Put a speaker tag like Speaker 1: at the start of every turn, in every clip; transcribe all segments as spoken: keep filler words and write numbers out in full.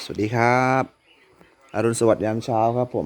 Speaker 1: สวัสดีครับอรุณสวัสดิ์ยามเช้าครับผม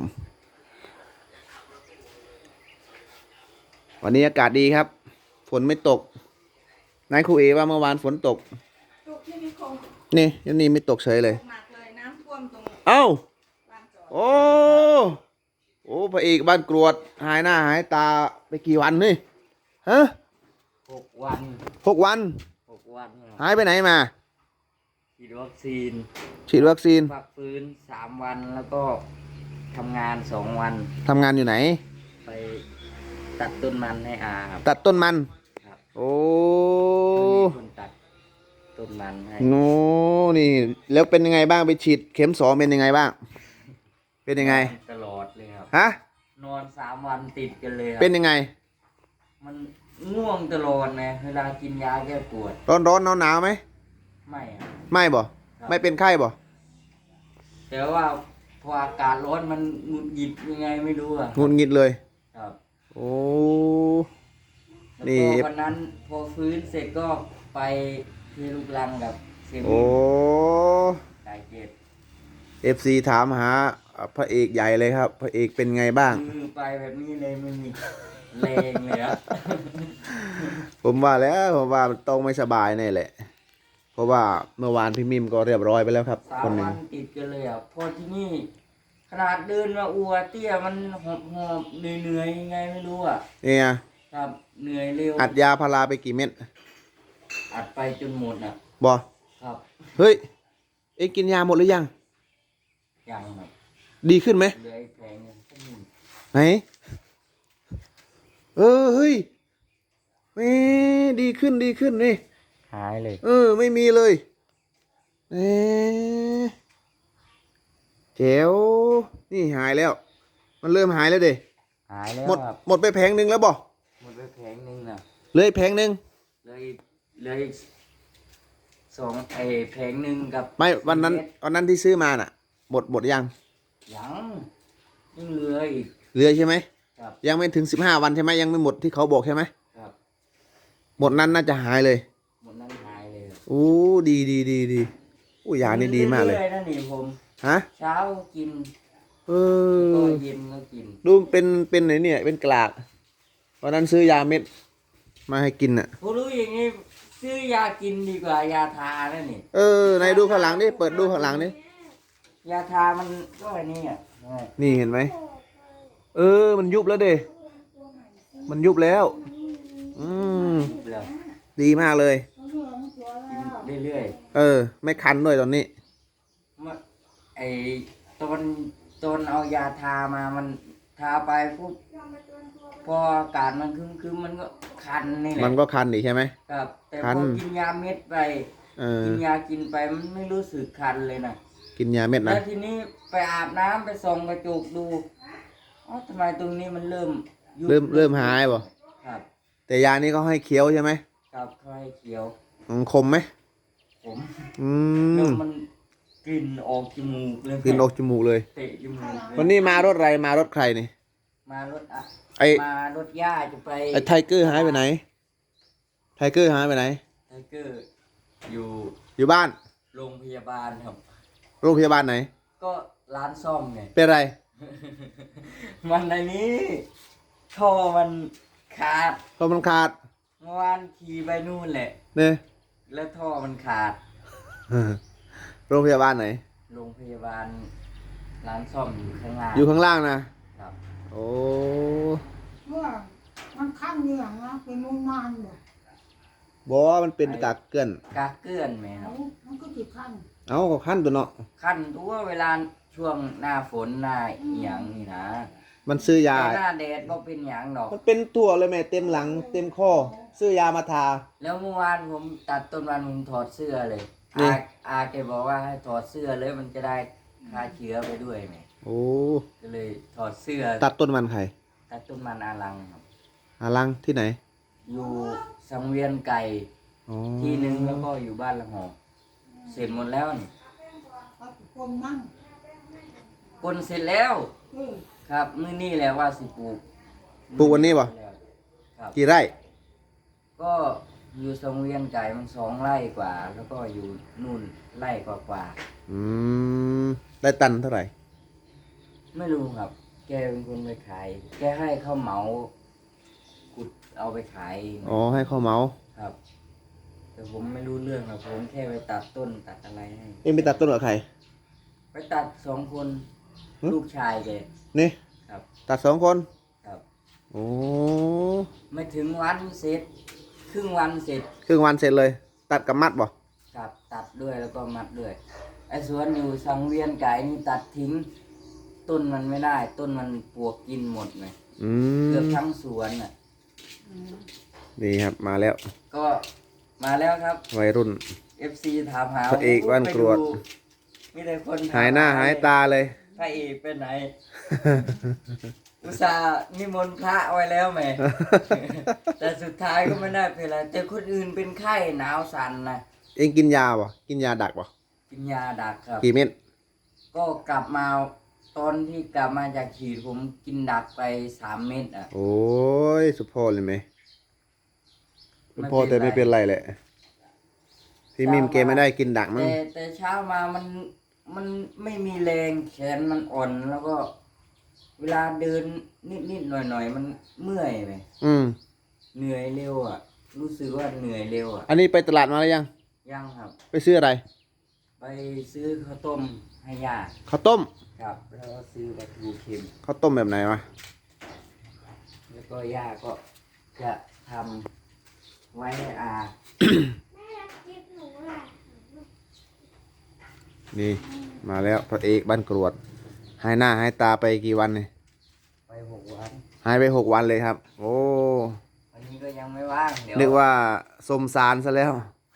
Speaker 1: วันนี้อากาศดีครับฝนไม่ตกนายครูเอว่าเมื่อวานฝนตก
Speaker 2: ตกที่นิคม
Speaker 1: นี่ยันนี่ไม่ตกเฉยเลย
Speaker 2: ตกหนักเลยน้ำท่วมตรง
Speaker 1: เอ้า
Speaker 2: ลานจอด
Speaker 1: โอ้โอ้พระเอกบ้านกรวดหายหน้าหายตาไปกี่วันนี่ฮะ
Speaker 3: หกวัน
Speaker 1: หกวัน
Speaker 3: หกวันค
Speaker 1: หาย
Speaker 3: รับ
Speaker 1: ไปไหนมา
Speaker 3: ฉีดวัคซีน
Speaker 1: ฉีดวัคซีน
Speaker 3: พักฟื้นสามวันแล้วก็ทำงานสองวัน
Speaker 1: ทำงานอยู่ไหน
Speaker 3: ไปตัดต้นมันให้อาครับ
Speaker 1: ตัดต้นมัน
Speaker 3: ครับ
Speaker 1: โอ้
Speaker 3: มีคนตัดต้นมันให้
Speaker 1: โน่นี่แล้วเป็นยังไงบ้างไปฉีดเข็มสองเป็นยังไงบ้างเป็นยังไง
Speaker 3: ตลอดเลยครับ
Speaker 1: ฮะ
Speaker 3: นอนสามวันติดกันเลยครับ
Speaker 1: เป็นยังไง
Speaker 3: มันง่วงตลอดนะเวลากินยาแก้ปวด
Speaker 1: ร้อนร้อนหนาวหนาวไหม
Speaker 3: ไม่ครับ
Speaker 1: ไม่บ่ไม่เป็นไข้บ่
Speaker 3: แต่ว่าพออากาศร้อนมันหงุดหงิดยังไงไม่รู้อะ
Speaker 1: หงุดหงิดเลย
Speaker 3: ครับ
Speaker 1: โอ้
Speaker 3: นี่วันนั้นพอฟื้นเสร็จก็ไปเทลูกรังกับเซมิ
Speaker 1: โอ้
Speaker 3: สายเจ็ด
Speaker 1: เอฟซีถามหาพระเอกใหญ่เลยครับพระเอกเป็นไงบ้าง
Speaker 3: มือไปแบบนี้เลยไม่มีแรงเลยอะ
Speaker 1: ผมว่าแล้วผมว่าต้องไม่สบายแน่แหละเพราะว่าเมื่อวานพี่มิมก็เรียบร้อยไปแล้วครับ
Speaker 3: สา
Speaker 1: ค
Speaker 3: ม
Speaker 1: นหนึ่ง
Speaker 3: วันติดกันเลยอ่ะพอที่นี่ขนาดเดินมาอัวเตี้ยมันหอบหอบเหนื่อยเหนื่อยยังไงไม่รู้อ่ะ
Speaker 1: เนี่ย
Speaker 3: ครับเหนื่อยเร็ว
Speaker 1: อัดยาพาราไปกี่เม็ด
Speaker 3: อัดไปจนหมดอ่ะ
Speaker 1: บอ
Speaker 3: ครับ
Speaker 1: เฮ้ยเอ็งกินยาหมดหรือยัง
Speaker 3: ยังครับ
Speaker 1: ดีขึ้นไหม
Speaker 3: เหลืออีกแผงนึง
Speaker 1: ไหนเออเฮ้ยเฮ้ดีขึ้นดีขึ้นนี่
Speaker 3: หายเลย
Speaker 1: เออไม่มีเลยเอ๊เจ๋วนี่หายแล้วมันเริ่มหายแล้วเด้
Speaker 3: หายแล้ว
Speaker 1: หมดหมดไปแผงหนึ่งแล้วบ่
Speaker 3: หมดไปแผงนึงน่ะ
Speaker 1: เลยแผงหนึ่ง
Speaker 3: เลยเลยสองไอแผงหนึ่งกับ
Speaker 1: ไม่วันนั้นวันนั้นที่ซื้อมาน่ะหมดหมดยัง
Speaker 3: ยังยังเหลืออีก
Speaker 1: เหลือใช่ไหม
Speaker 3: ครับ
Speaker 1: ยังไม่ถึงสิบห้าวันใช่ไหมยังไม่หมดที่เขาบอกใช่ไหม
Speaker 3: ครับ
Speaker 1: หมดนั้นน่าจะหายเลย
Speaker 3: หมดนั้นหายเลย
Speaker 1: โอ้ดีดีดีดีโอ้ยานี่ดีมากเลย
Speaker 3: นั่นนี่ผม
Speaker 1: ฮะ
Speaker 3: เช้ากิน
Speaker 1: เอ
Speaker 3: ก็
Speaker 1: อ
Speaker 3: เย็นก็กิน
Speaker 1: ดูเป็นเป็นไหนเนี่ยเป็นกลากวันนั้นซื้อยาเม็ดมาให้กินอ่ะ
Speaker 3: ผมรู้อย่างนี้ซื้อยากินดีกว่ายาทานั่นนี่
Speaker 1: เออไหนดูข้างหลังดิเปิดดูข้างหลังดิ
Speaker 3: ยาทามันก็อันนี้อ่ะ
Speaker 1: นี่เห็นไหมเออมันยุบแล้วเด้มันยุบแล้วอืมดีมากเลย
Speaker 3: เรื่อย
Speaker 1: ๆเออไม่คันด้วยตอนนี้
Speaker 3: ไอตอนตอนเอายาทามามันทาไปปุ๊บพออากาศมันคึมคึมมันก็คันนี่แหละ
Speaker 1: มันก็คันอีกใช่ไหม
Speaker 3: ครับแต่พอกินยาเม็ดไปกินยากินไปมันไม่รู้สึกคันเลยนะ
Speaker 1: กินยาเม็ดนะ
Speaker 3: แล้วทีนี้ไปอาบน้ำไปส่องกระจกดูอ๋อทำไมตรงนี้มันเริ่ม
Speaker 1: เริ่มเริ่มหายบ่
Speaker 3: ครับ
Speaker 1: แต่ยานี้ก็ให้เคี้ยวใช่ไหม
Speaker 3: ครับเขาให้เคี้ยว
Speaker 1: คมไหม
Speaker 3: ผม
Speaker 1: อื
Speaker 3: แล้ว
Speaker 1: ม
Speaker 3: มันกลิ่นออกจมูกเลย
Speaker 1: กลิ่นออกจมูกเลย
Speaker 3: เตะจมูก
Speaker 1: วันนี้มารถอะไรมารถใครนี่
Speaker 3: มารถอะ
Speaker 1: ไอ
Speaker 3: มารถย่าจะไป
Speaker 1: ไอไทเกอร์หายไปไหนไทเกอร์หายไปไหน
Speaker 3: ไทเกอร์อยู่
Speaker 1: อยู่บ้าน
Speaker 3: โรงพยาบาลครับ
Speaker 1: โรงพยาบาลไหน
Speaker 3: ก็ร้านซ่อมไง
Speaker 1: เป็นไร
Speaker 3: มันในนี้ท่อมันขาด
Speaker 1: ท่อมันขาด
Speaker 3: เมื่อวานขี่ไปนู่นแหละ
Speaker 1: เนี่ย
Speaker 3: แล้วท่อมันขาด
Speaker 1: โรงพยาบาลไหน
Speaker 3: โรงพยาบาลร้านซ่อมอยู่ข้างล่าง
Speaker 1: อยู่ข้างล่างนะครับโอ้
Speaker 2: เมื่อมันขั้นเหนื่อยนะเป็นมุ่งนานเลย
Speaker 1: บอกว่ามันเป็นกากเกลื่อน
Speaker 3: กากเกลื่อนไหมครับ
Speaker 2: มันก็ติดขั้น
Speaker 1: เอาก็ขั้นตัวเนาะ
Speaker 3: ขั้นตัวเวลาช่วงหน้าฝนหน้าหยางนี่นะ
Speaker 1: มันซื้อยา
Speaker 3: หน้าแดดก็เป็นหยางดอก
Speaker 1: มันเป็นตัวเลยแม่เต็มหลังเต็มข้อซื้อยามาทา
Speaker 3: แล้วเมื่อวานผมตัดต้นวันผมถอดเสื้อเลยอาอาแกบอกว่าให้ถอดเสื้อเลยมันจะได้ฆ่าเชื้อไปด้วยไหม
Speaker 1: โอ้
Speaker 3: ก็เลยถอดเสื้อ
Speaker 1: ตัดต้นมันใคร
Speaker 3: ตัดต้นมันอารังครับ
Speaker 1: อารังที่ไหน
Speaker 3: อยู่สังเวียนไก่ที่หนึ่งแล้วก็อยู่บ้านละหอกเสร็จหมดแล้วนี่
Speaker 2: คนนั่ง
Speaker 3: คนเสร็จแล้วครับมื้อนี้แหละว่าสิปลูก
Speaker 1: ปลูกวันนี้ป่ะกี่ไร่
Speaker 3: ก็อยู่สังเวียนไก่มันสองไร่กว่าแล้วก็อยู่นู่นไร่กว่ากว่า
Speaker 1: อืมได้ตันเท่าไหร่
Speaker 3: ไม่รู้ครับ แกเป็นคนไปขาย แกให้เขาเหมาขุดเอาไปขายเอง
Speaker 1: อ๋อให้เขาเหมา
Speaker 3: ครับ แต่ผมไม่รู้เรื่องครับผมแค่ไปตัดต้นตัดอะไรให้
Speaker 1: เอ็งไปตัดต้นกับใคร
Speaker 3: ไปตัดสองคน
Speaker 1: หึ
Speaker 3: ลูกชายแก
Speaker 1: นี่
Speaker 3: ครับ
Speaker 1: ตัดสองคน
Speaker 3: ครับ
Speaker 1: โอ้
Speaker 3: ไม่ถึงวันเสร็จ ครึ่งวันเสร็จ
Speaker 1: ครึ่งวันเสร็จเลย ตัดกับมัดบ่
Speaker 3: ครับตัดด้วยแล้วก็มัดด้วย ไอ้สวนอยู่สังเวียนไก่นี่ตัดทิ้ง ต้นมันไม่ได้ ต้นมันปลวกกินหมดเลย
Speaker 1: อืม
Speaker 3: เกือบทั้งสวนน่ะ
Speaker 1: นี่ครับมาแล้ว
Speaker 3: ก็มาแล้วครับ
Speaker 1: วัยรุ่น
Speaker 3: เอฟ ซี ถามหา
Speaker 1: พระเอกบ้านกรวด
Speaker 3: มีแต่คนถม
Speaker 1: หายหน้าหายตาเลย
Speaker 3: พระเอกไปไหน อุตส่าห์นิมนต์พระไว้แล้วแหม่ แต่สุดท้ายก็ไม่ได้เป็นไรแต่คนอื่นเป็นไข้หนาวสั่นนะ
Speaker 1: เอ็งกินยาบ่กินยาดักบ่
Speaker 3: กินยาดักครับ
Speaker 1: กี่เม็ด
Speaker 3: ก็กลับมาตอนที่กลับมาจากฉีดผมกินดักไปสามเม็ดอ่ะ
Speaker 1: โอ้ยสุดพอเลยไหมสุดพอ
Speaker 3: ไม่เป็นไร
Speaker 1: แต่ไม่เป็นไรแหละพี่มิมแกไม่ได้กินดักมั้ง
Speaker 3: แต่แต่เช้ามามันมันไม่มีแรงแขนมันอ่อนแล้วก็ เวลาเดินนิดนิดหน่อยหน่อยๆ มันเมื่อยไหม
Speaker 1: อืม
Speaker 3: เหนื่อยเร็วอ่ะ รู้สึกว่าเหนื่อยเร็วอ่ะ
Speaker 1: อันนี้ไปตลาดมาแล้วยัง
Speaker 3: ยังครับ
Speaker 1: ไปซื้ออะไร
Speaker 3: ไปซื้อข้าวต้มให้ย่า
Speaker 1: ข้าวต้ม
Speaker 3: ครับ แล้วก็ซื้อปลาทูเค็ม
Speaker 1: ข้าวต้มแบบไหนวะ
Speaker 3: แล้วก็ย่าก็จะทำไว้ให้อา
Speaker 1: นี่มาแล้วพระเอกบ้านกรวดหายหน้าหายตาไปกี่วันเนี่ย
Speaker 3: ไปหกวัน
Speaker 1: หายไปหกวันเลยครับ โอ้
Speaker 3: วันนี้ก็ยังไม่ว่างเดี๋ยว
Speaker 1: นึกว่าสมสารซะแล้ว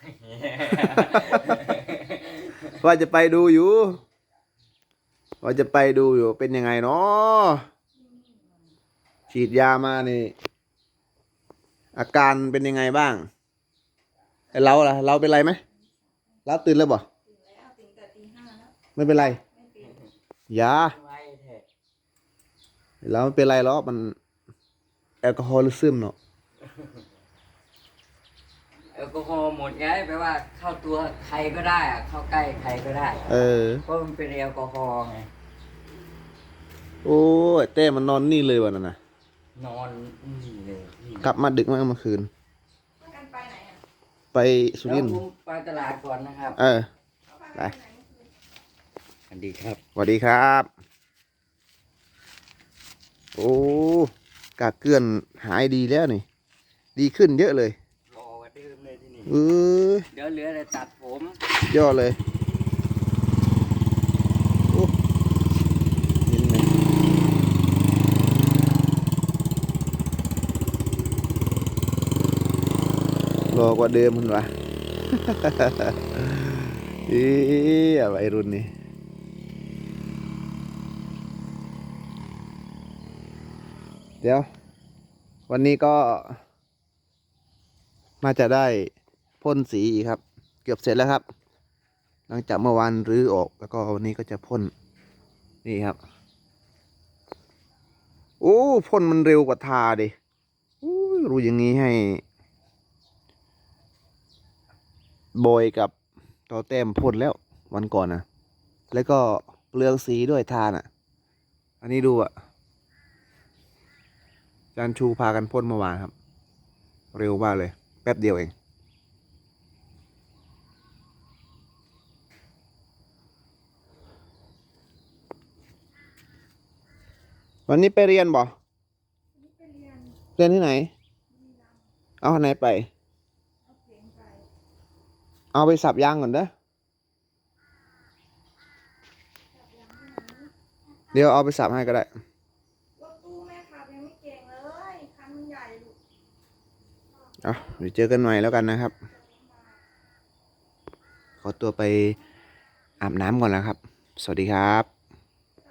Speaker 1: ว่าจะไปดูอยู่ ว่าจะไปดูอยู่เป็นยังไงเนาะฉีดยามานี่ อาการเป็นยังไงบ้างไอเราล่ะ เราเป็นไรไหมเราตื่นแล้วบ่ไม่เป็นไรยา
Speaker 3: ไว้เถอะ
Speaker 1: เราไม่เป็นไรหรอกมันแอลกอฮอล์ซึมเนาะ
Speaker 3: แอลกอฮอล์หมดไงแปลว่าเข้าตัวใครก็ได้อะเข้าใกล้ใครก็ได้
Speaker 1: เออ
Speaker 3: เพราะมันเป็นแอลกอฮอล์ไง
Speaker 1: โอ้ยเต้มันนอนนี่เลยวันนั้นนะ
Speaker 3: นอนนี่เลยนี่
Speaker 1: กลับมาดึกมากเมื่อคืน
Speaker 4: ไปไหนอ่ะ
Speaker 1: ไปสุ
Speaker 3: แล้ว
Speaker 1: รินทร์
Speaker 3: ผมไปตลาดก่อนนะครับ
Speaker 1: เออ ไป
Speaker 3: สวัสดีครับ
Speaker 1: สวัสดีครับ โอ้กากเกลื่อนหายดีแล้วนี่ ดีขึ้นเยอะเลย
Speaker 3: รอกันเดิมเลยที่นี่
Speaker 1: เออ
Speaker 3: เดี๋ยวเหลือแต่ตัดผม
Speaker 1: ยอดเลยโอ้เห็นไหมรอกว่าเดิมมันวะ อีอะไรรุ่นนี้เดี๋ยว วันนี้ก็น่าจะได้พ่นสีอีกครับ เกือบเสร็จแล้วครับ หลังจากเมื่อวานรื้อออกแล้วก็วันนี้ก็จะพ่นนี่ครับโอ้พ่นมันเร็วกว่าทาดิโอ้ยรู้อย่างนี้ให้บอยกับต่อแต้มพ่นแล้ววันก่อนนะแล้วก็เปลืองสีด้วยทาน่ะ อันนี้ดูอ่ะจานชูพากันพ่นเมื่อวานครับ เร็วมากเลย แป๊บเดียวเอง วันนี้ไปเรียนบ่เรียนที่ไหน เอาไหนไป เอาไปสับยางก่อนเด้อ เดี๋ยวเอาไปสับให้ก็ได้
Speaker 4: รถตู้แม่ขับยังไม่เก่งเลยคันมันใหญ่ลูก
Speaker 1: เอาเดี๋ยวเจอกันใหม่แล้วกันนะครับ ขอตัวไปอาบน้ำก่อนแล้วครับ สวัสดีครับ